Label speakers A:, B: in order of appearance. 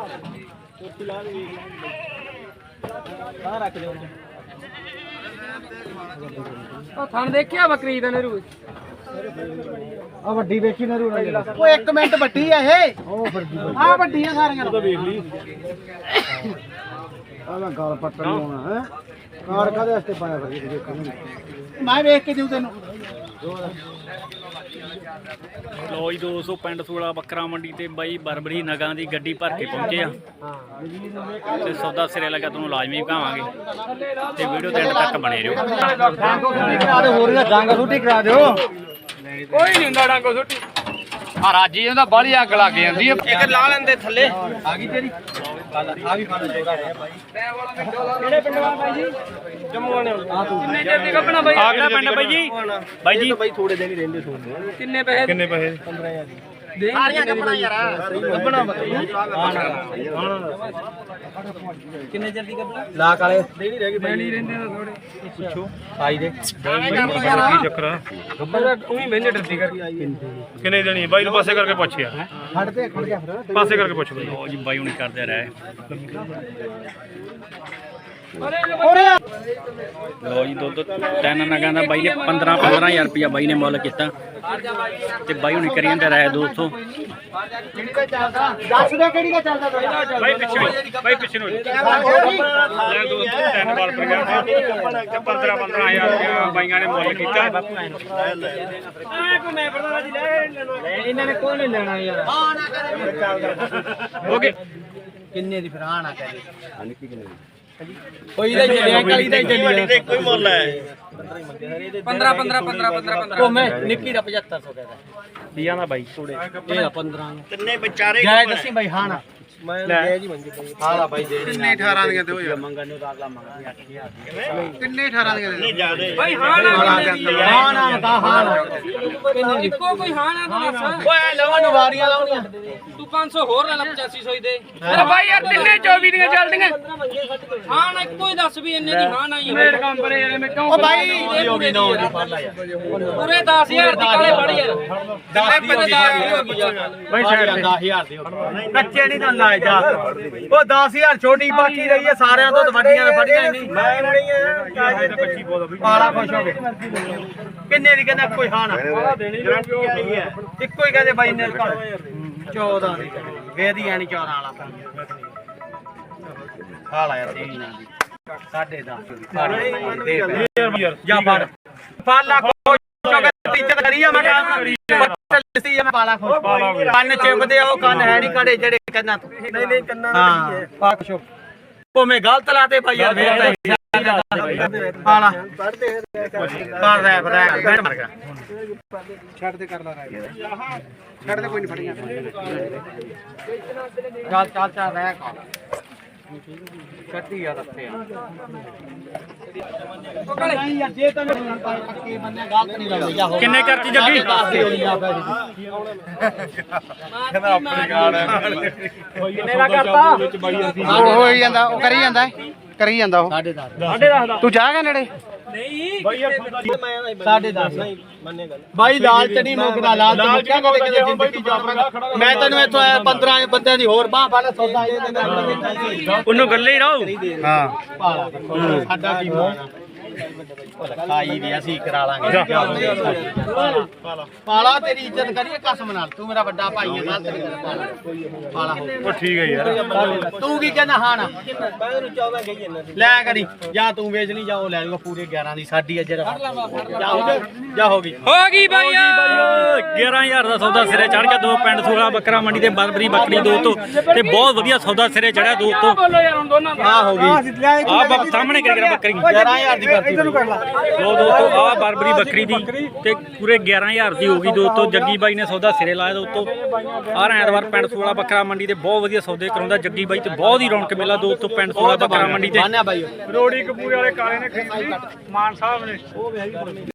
A: ਥਣ ਦੇਖਿਆ ਬੱਕਰੀ ਦਾ ਨਰੂ
B: ਆ ਵੱਡੀ ਵੇਖੀ ਨਰੂ ਉਹ 1 ਮਿੰਟ ਵੱਡੀ ਆ ਇਹ ਉਹ ਵੱਡੀ ਆ ਵੱਡੀਆਂ ਸਾਰੀਆਂ ਤਾਂ ਵੇਖ ਲਈ ਆ ਮੈਂ ਗਾਲ ਪੱਟਣ ਨੂੰ ਆਉਣਾ ਹੈ ਕਾਰ ਕਾਦੇ ਵਾਸਤੇ ਪਾਇਆ ਫਿਰ ਦੇਖਣ ਮੈਂ ਵੇਖ ਕੇ ਦਿਉ ਤੈਨੂੰ
C: ਲੋ ਜੀ 200 ਪਿੰਡ ਸੂਲਾ ਬੱਕਰਾ ਮੰਡੀ ਤੇ ਬਾਈ ਬਰਬਰੀ ਨਗਾਂ ਦੀ ਗੱਡੀ ਭਰ ਕੇ ਪਹੁੰਚੇ ਆ ਤੇ ਸੌਦਾ ਸਿਰੇ ਲੱਗਾ ਤੁਹਾਨੂੰ ਲਾਜ਼ਮੀ ਕਹਾਵਾਂਗੇ ਤੇ ਵੀਡੀਓ ਦੇ ਐਂਡ ਤੱਕ ਬਣੇ ਰਹੋ।
B: ਹੋਰ ਨਾ ਡਾਂਗਾ ਛੁੱਟੀ ਕਰਾ ਦਿਓ
A: ਕੋਈ ਨਹੀਂ ਹੁੰਦਾ ਡਾਂਗੋ ਸੁੱਟੀ
B: ਆ ਰਾਜੀ ਉਹਦਾ ਬਾਹਲੀ ਅੱਗ ਲੱਗ ਜਾਂਦੀ ਹੈ
A: ਇੱਕ ਲਾ ਲੈਂਦੇ ਥੱਲੇ
B: ਆ ਗਈ ਤੇਰੀ ਆ ਵੀ ਫੜ ਜੋਗਾ ਹੈ ਭਾਈ
A: ਕਿਹੜੇ ਪਿੰਡ ਵਾਲਾ ਬਾਈ ਜੀ ਜੰਮੂ ਵਾਲੇ ਆ ਤੂੰ ਕਿੰਨੇ ਚਿਰ ਦੀ ਕੱਪਣਾ ਬਾਈ
C: ਆ ਕਿਹੜਾ ਪਿੰਡ ਬਾਈ ਜੀ? ਬਾਈ ਜੀ
B: ਬਾਈ ਥੋੜੇ ਦਿਨ ਹੀ ਰਹਿੰਦੇ ਸੋਨੇ
A: ਕਿੰਨੇ ਪੈਸੇ
B: 15000
A: ਦੇ
B: ਸਾਰੀਆਂ ਕੱਪਣਾ ਯਾਰ ਕੱਪਣਾ
A: ਕਿੰਨੇ ਚਿਰ ਦੀ ਕੱਪਣਾ
B: ਲਾਕ ਵਾਲੇ ਦੇ ਨਹੀਂ ਰਹਿ ਗਏ
A: ਨਹੀਂ ਰਹਿੰਦੇ ਤਾਂ ਥੋੜੇ
B: ਪੁੱਛੋ ਆਈ ਦੇ
D: ਕੀ ਚੱਕਰ ਆ?
A: ਤੂੰ ਹੀ ਮਹਿੰਗੇ ਡਰਦੀ ਕਰ
D: ਕਿੰਨੇ ਦੇਣੀ ਬਾਈ ਨੂੰ ਪਾਸੇ ਕਰਕੇ ਪੁੱਛਿਆ
B: ਖੜ ਗਿਆ ਫਿਰ
D: ਪਾਸੇ ਕਰਕੇ ਪੁੱਛ ਬਾਈ
C: ਲੋ ਜੀ ਬਾਈ ਹੁਣੀ ਕਰਦੇ ਰਹੇ ਲੋ ਜੀ ਦੁੱਧ 3 ਨਗਾਂ ਦਾ ਬਾਈ ਨੇ 15,000 ਰੁਪਇਆ ਬਾਈ ਨੇ ਮੁੱਲ ਕੀਤਾ ਤੇ ਬਾਈ ਹੁਣੀ ਕਰੀ ਜਾਂਦੇ ਰਹੇ ਦੋਸਤੋ।
B: ਦੱਸ ਦੇ ਕਿਹੜੀ ਦਾ ਚੱਲਦਾ
D: ਬਾਈ ਪਿੱਛੇ ਨੂੰ ਲੈ ਦੋਸਤੋ 3 ਬਾਲ ਪਰ ਗਿਆ ਤੇ 15,000 ਰੁਪਇਆ ਬਾਈਆਂ ਨੇ ਮੁੱਲ ਕੀਤਾ।
A: ਇਹਨਾਂ ਨੇ ਕੋਈ ਨਹੀਂ ਲੈਣਾ ਯਾਰ
B: ਓਕੇ ਕਿੰਨੇ ਦੀ ਫਿਰ ਆਣਾ ਕਹੇ
A: ਕੋਈ ਦਾ ਚੱਲਿਆ ਕਾਲੀ ਦਾ ਚੱਲਿਆ
B: ਕੋਈ ਮੁੱਲ ਹੈ
A: 15
B: ਮੈਂ ਨਿੱਕੀ ਦਾ 7500 ਕਹਿੰਦਾ
C: ਦੀਆਂ ਦਾ ਬਾਈ
B: ਇਹ 15 ਕਿੰਨੇ ਵਿਚਾਰੇ ਜਾਇ ਦੱਸੀ ਬਾਈ ਹਾਂ ਨਾ ਮੈਂ ਲੈ ਜੀ ਮੰਗੀ ਬਾਈ ਹਾਂ ਬਾਈ ਦੇ ਕਿੰਨੇ 18 ਦੀਆਂ ਤੇ ਹੋ ਜਾ ਮੰਗਣ ਨੂੰ ਅਗਲਾ ਮੰਗਦਾ 8000 ਕਿੰਨੇ 18 ਦੀਆਂ ਨਹੀਂ ਜ਼ਿਆਦੇ
A: ਬਾਈ ਹਾਂ ਨਾ
B: ਹਾਂ ਨਾ ਦਾ ਹਾਂ ਨਾ
A: ਕਿੰਨੇ ਇੱਕੋ ਕੋਈ ਹਾਂ ਨਾ ਤਾਂ ਦੱਸ
B: ਓਏ ਲਵਾਂ ਨੂੰ ਵਾਰੀਆਂ ਲਾਉਣੀਆਂ
A: ਤੂੰ 500 ਹੋਰ ਲੈ ਲੈ 8500 ਦੇ ਅਰੇ ਬਾਈ ਯਾਰ ਤਿੰਨੇ 24 ਦੀਆਂ ਚੱਲਦੀਆਂ ਹਾਂ ਨਾ ਇੱਕੋ ਹੀ ਦੱਸ ਵੀ ਇੰਨੇ ਦੀ ਹਾਂ ਨਾ ਹੀ ਮੇਰ ਕੰਮ ਪਰੇ ਯਾਰ ਮੈਂ ਕਿਉਂ
B: ਓ ਬਾਈ ਹੋ ਗਈ ਨੋ ਦੀ ਫੜ ਲਾ ਯਾਰ
A: ਪੂਰੇ 10000 ਦੀ ਕਾਲੇ ਫੜ ਯਾਰ
B: 10,000 ਹੋ ਗਈ ਬਾਈ ਸਾਈਡ 10000 ਦੀ ਕੱਚੇ ਨਹੀਂ ਤਾਂ ਲਾਏ ਜਾ ਉਹ 10000 ਛੋਟੀ ਬਾਕੀ ਰਹੀ ਹੈ ਸਾਰਿਆਂ ਤੋਂ ਵੱਡੀਆਂ ਨੇ ਫੜੀਆਂ ਨਹੀਂ ਮੈਂ ਨਹੀਂ ਆ ਪਾਲਾ ਖੁਸ਼ ਹੋ ਗਏ ਕਿੰਨੇ ਦੀ ਕਹਿੰਦਾ ਕੋਈ ਹਾਂ ਨਾ ਇੱਕੋ ਹੀ ਕਹਿੰਦੇ ਬਾਈ ਨੇ 14 ਦੀ ਵੇਦੀ ਆਣੀ 14 ਵਾਲਾ ਹਾਲਾ ਯਾਰ ਤੇਰੀ ਨਾ ਦੀ 10.5 ਜਾ ਫੜ ਪਾਲਾ ਇੱਜ਼ਤ ਕਰੀ ਆ ਮੈਂ ਲਿਸਤੀ ਆ ਮੈਂ ਪਾਲਾ ਖੁਸ਼ ਕੰਨ ਚਿਪਦੇ ਆ ਉਹ ਕੰਨ ਹੈ ਨਹੀਂ ਕੜੇ ਜਿਹੜੇ ਕੰਨਾਂ ਤੋਂ ਨਹੀਂ ਕੰਨਾਂ ਨਾਲ ਹੈ ਪਾ ਖੁਸ਼ ਭੋਵੇਂ ਗਲਤ ਲਾਤੇ ਭਾਈ ਯਾਰ ਫੇਰ ਤਾਂ ਪਾਲਾ ਕਰ ਰਿਹਾ ਬੈਠ ਮਰ ਗਿਆ ਛੱਡ ਦੇ ਕਰ ਲਾ ਛੱਡ ਦੇ ਕੋਈ ਨਹੀਂ ਫੜੀਆਂ ਚੱਲ ਰਹਿ ਕਾ ਛੱਡੀ ਆ ਰੱਖੇ ਆ ਨਹੀਂ ਯਾਰ ਜੇ ਤੈਨੂੰ ਪੱਕੇ ਬੰਨੇ ਗਲਤ ਨਹੀਂ ਲੱਗਦੀ ਜਾ ਹੋ
C: ਕਿੰਨੇ ਕਰਤੀ ਜੱਗੀ
B: ਕਹਿੰਦਾ ਆਪਣੀ ਗਾਲ
A: ਕਿੰਨੇ ਦਾ ਕਰਤਾ
B: ਉਹ ਹੋਈ ਜਾਂਦਾ ਉਹ ਕਰੀ ਜਾਂਦਾ ਉਹ 10.5 ਤੂੰ ਜਾਗਾ ਨੇੜੇ
A: ਨਹੀਂ
B: ਬਾਈ 10.5 ਮੰਨੇ ਗੱਲ ਬਾਈ ਲਾਲਚ ਨਹੀਂ ਮੁੱਕਦਾ ਲਾਲਚ ਮੁੱਕਿਆ ਕਦੇ ਕਿਤੇ ਜ਼ਿੰਦਗੀ ਚ ਮੈਂ ਤੈਨੂੰ ਇੱਥੋਂ 15 ਬੰਦਿਆਂ ਦੀ ਹੋਰ ਬਾਹ ਫੜ ਸੌਦਾ
C: ਉਹਨੂੰ ਗੱਲੇ ਹੀ ਰਹੋ
B: ਹਾਂ ਸਾਡਾ ਕੀ ਮਾਣਾ ਖਾਈ ਵੀ ਅਸੀਂ ਕਰਾ ਲਾਂਗੇ ਪਾਲਾ ਤੇਰੀ ਇੱਜ਼ਤ ਕਰੀਏ ਕਸਮ ਨਾਲ ਤੂੰ ਮੇਰਾ ਵੱਡਾ ਭਾਈ ਹੈ ਗਲਤ ਨਹੀਂ ਕਰਦਾ ਪਾਲਾ
D: ਉਹ ਠੀਕ ਹੈ ਯਾਰ
B: ਤੂੰ ਕੀ ਕਹਿੰਦਾ ਹਾਂ ਨਾ ਮੈਂ ਇਹਨੂੰ 14 ਕਹੀ ਜਾਂਦਾ ਲੈ ਕਰੀ ਜਾਂ ਤੂੰ ਵੇਚ ਨਹੀਂ ਜਾਓ ਲੈ ਲੂਗਾ ਪੂਰੇ 11 ਦੀ ਸਾਡੀ ਅੱਜ ਜਾ ਹੋ ਗਈ
A: ਹੋ ਗਈ ਬਾਈ
C: 11,000 ਦਾ ਸੌਦਾ ਸਿਰੇ ਚੜ ਗਿਆ। ਦੋ ਪਿੰਡ ਸੂਲਾ ਬੱਕਰਾ ਮੰਡੀ ਤੇ ਬਰਬਰੀ ਬੱਕਰੀ ਦੋਸਤੋ ਤੇ ਬਹੁਤ ਵਧੀਆ ਸੌਦਾ ਸਿਰੇ ਚੜਿਆ ਦੋਸਤੋ।
A: ਬੋਲੋ ਯਾਰ ਹੁਣ ਦੋਨਾਂ ਦਾ
B: ਆ ਹੋ ਗਈ
C: ਆ ਸਾਹਮਣੇ ਕਰ ਬੱਕਰੀ
B: 11000 ਦੀ ਕਰਤੀ
C: ਲੋ ਦੋਸਤੋ ਆ ਬਰਬਰੀ ਬੱਕਰੀ ਦੀ ਤੇ ਪੂਰੇ 11,000 ਦੀ ਹੋ ਗਈ ਦੋਸਤੋ। ਜੱਗੀ ਬਾਈ ਨੇ ਸੌਦਾ ਸਿਰੇ ਲਾਇਆ ਦੋਸਤੋ। ਆਹ ਐਤਵਾਰ ਪਿੰਡ ਸੂਲਾ ਬੱਕਰਾ ਮੰਡੀ ਤੇ ਬਹੁਤ ਵਧੀਆ ਸੌਦੇ ਕਰਾਉਂਦਾ ਜੱਗੀ ਬਾਈ ਤੇ ਬਹੁਤ ਹੀ ਰੌਣਕ ਮੇਲਾ ਦੋਸਤੋ ਪਿੰਡ ਸੂਲਾ ਬੱਕਰਾ ਮੰਡੀ ਤੇ।
D: ਰੋੜੀ ਕਪੂਰੇ ਵਾਲੇ ਕਾਲੇ ਨੇ ਖਰੀਦੀ ਮਾਨ ਸਾਹਿਬ ਨੇ